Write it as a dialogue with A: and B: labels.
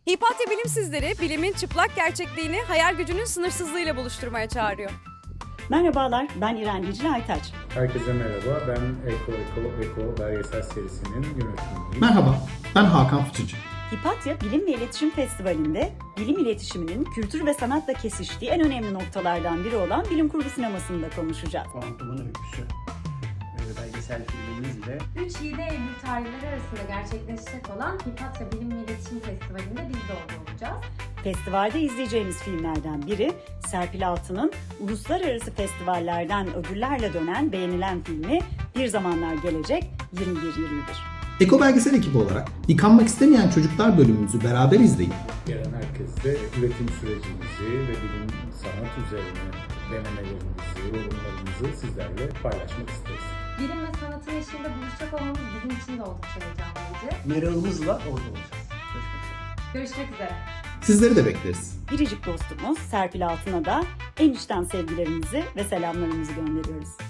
A: Hipatya Bilim sizleri bilimin çıplak gerçekliğini hayal gücünün sınırsızlığıyla buluşturmaya çağırıyor.
B: Merhabalar, ben İrem Dicle Aytaç.
C: Herkese merhaba, ben Eko belgesel serisinin yönetmeniyim.
D: Merhaba, ben Hakan Fıçıcı.
B: Hipatya Bilim ve İletişim Festivali'nde bilim iletişiminin kültür ve sanatla kesiştiği en önemli noktalardan biri olan bilim kurgu sinemasında konuşacağız.
E: Kuantumun Öyküsü belgesel filmimizle
F: 3-7 Eylül tarihleri arasında gerçekleşecek olan Hipatya Bilim ve İletişim Festivali'nde biz de orada olacağız.
B: Festivalde izleyeceğimiz filmlerden biri Serpil Altun'un uluslararası festivallerden ödüllerle dönen beğenilen filmi Bir Zamanlar Gelecek 21-21.
D: Eko Belgesel ekibi olarak Yıkanmak İstemeyen Çocuklar bölümümüzü beraber izleyip
C: Gelen herkesle üretim sürecimizi ve bilim sanat üzerine denemelerimizi, yorumlarımızı sizlerle paylaşmak isteriz.
F: Bilim ve sanatın eşliğinde buluşacak olmamız bizim için de oldukça heyecanlayıcı.
E: merakımızla orada olacağız. Görüşmek üzere.
F: Görüşmek üzere.
D: sizleri de bekleriz.
B: Biricik dostumuz Serpil Altun'a da en içten sevgilerimizi ve selamlarımızı gönderiyoruz.